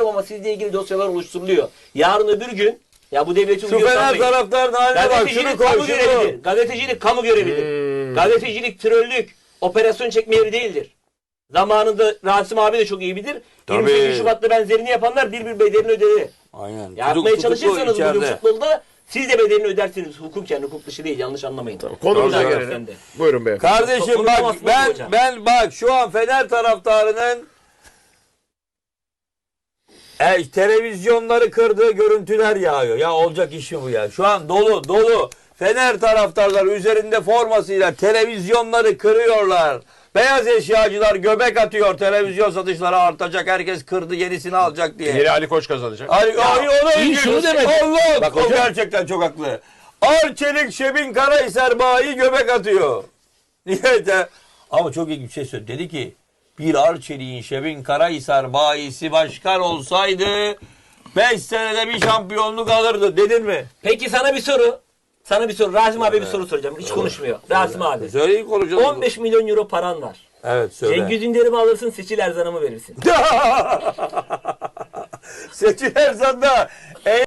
ama sizle ilgili dosyalar oluşturuluyor. Yarın öbür gün ya bu devleti Şu Fener taraftarının haline bak. Şunu koy. Kamu görevidir. Gazetecilik kamu görevidir. Gazetecilik trollük, operasyon çekme yeri değildir. Zamanında Rasim abi de çok iyi bilir. Tabii. 28 Şubat'ta benzerini yapanlar bir bedelini ödedi. Aynen. Yapmaya çalışırsanız bugün içeride. futbolda siz de bedelini ödersiniz. Hukuken, hukuk dışı değil. Yanlış anlamayın. Konumuza Tabii. gelelim. Buyurun beyefendi. Kardeşim Çok bak konuşamazsınız hocam. ben bak şu an Fener taraftarının televizyonları kırdığı görüntüler yağıyor. Ya olacak iş mi bu ya? Şu an dolu. Fener taraftarları üzerinde formasıyla televizyonları kırıyorlar. Beyaz eşyacılar göbek atıyor. Televizyon satışları artacak. Herkes kırdı yenisini alacak diye. Yeri Ali Koç kazanacak. Ay onu iyi şunu demek. Allah Bak o hocam. gerçekten çok haklı. Arçelik Şebin Karahisar bayi göbek atıyor. Niye de? Ama çok ilginç bir şey söyledi. Dedi ki bir Arçelik'in Şebin Karahisar bayisi başkan olsaydı 5 senede bir şampiyonluk alırdı. Dedin mi? Peki sana bir soru. Rasim abi bir soru soracağım. Hiç konuşmuyor. Rasim abi. Söyleyin konuşalım. 15 milyon euro paran var. Evet söyle. Cengiz Ünder'i mi alırsın, Seçil Erzan'ı mı verirsin? Seçil Erzan'da